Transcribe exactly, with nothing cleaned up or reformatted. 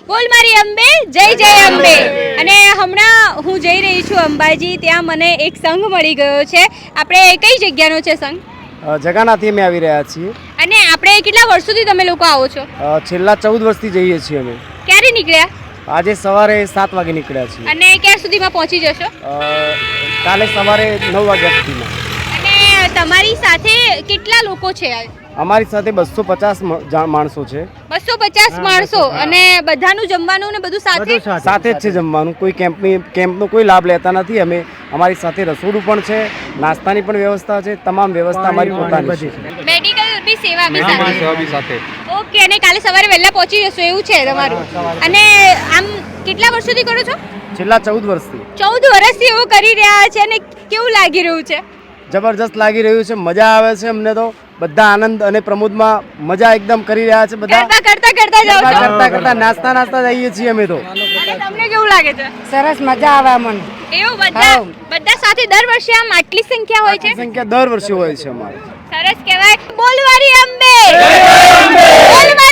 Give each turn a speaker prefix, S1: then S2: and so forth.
S1: બોલ મારી અંબે જય જય અંબે. અને હમણાં હું જઈ રહી છું અંબાજી, ત્યાં મને એક સંઘ મળી ગયો છે. આપણે કઈ જગ્યાનો છે સંઘ?
S2: જગાનાથી અમે આવી રહ્યા છીએ.
S1: અને આપણે કેટલા વર્ષોથી તમે લોકો આવો છો?
S2: છેલ્લા ચૌદ વર્ષથી જઈએ છીએ અમે.
S1: ક્યારે નીકળ્યા?
S2: આજે સવારે સાત વાગે નીકળ્યા છીએ.
S1: અને ક્યાં સુધીમાં પહોંચી જશો?
S2: કાલે સવારે નવ વાગ્યા સુધીમાં.
S1: અને તમારી સાથે કેટલા લોકો છે?
S2: અમારી સાથે બસો પચાસ માણસો છે.
S1: બસો પચાસ માણસો. અને બધાનું જમવાનું ને બધું સાથે
S2: સાથે જ છે જમવાનું. કોઈ કેમ્પની કેમ્પનો કોઈ લાભ લેતા નથી અમે. અમારી સાથે રસોડું પણ છે, નાસ્તાની પણ વ્યવસ્થા છે, તમામ વ્યવસ્થા અમારી પોતાની છે.
S1: મેડિકલ બી સેવા બી સાથે.
S2: સેવા બી સાથે.
S1: ઓકે. અને કાલે સવારે વહેલા પહોંચી જશો એવું છે તમારું? અને આમ કેટલા વર્ષોથી કરો છો?
S2: છેલ્લા ચૌદ વર્ષથી.
S1: ચૌદ વર્ષથી એવું કરી રહ્યા છે. અને કેવું લાગી રહ્યું છે?
S2: જબરજસ્ત લાગી રહ્યું છે. મજા આવે છે અમને તો. બધા આનંદ અને પ્રમોદમાં મજા એકદમ કરી રહ્યા છે. બધા
S1: કરતા કરતા કરતા જાવ છો?
S2: કરતા કરતા નાસ્તા નાસ્તા જઈએ છીએ અમે તો.
S1: અને તમને કેવું લાગે છે?
S3: સરસ મજા આવે મને.
S1: એવું બધા બધા સાથે દર વર્ષે આમ આટલી સંખ્યા હોય છે?
S2: સંખ્યા દર વર્ષે હોય છે અમારે.
S1: સરસ કહેવાય. બોલ મારી અંબે.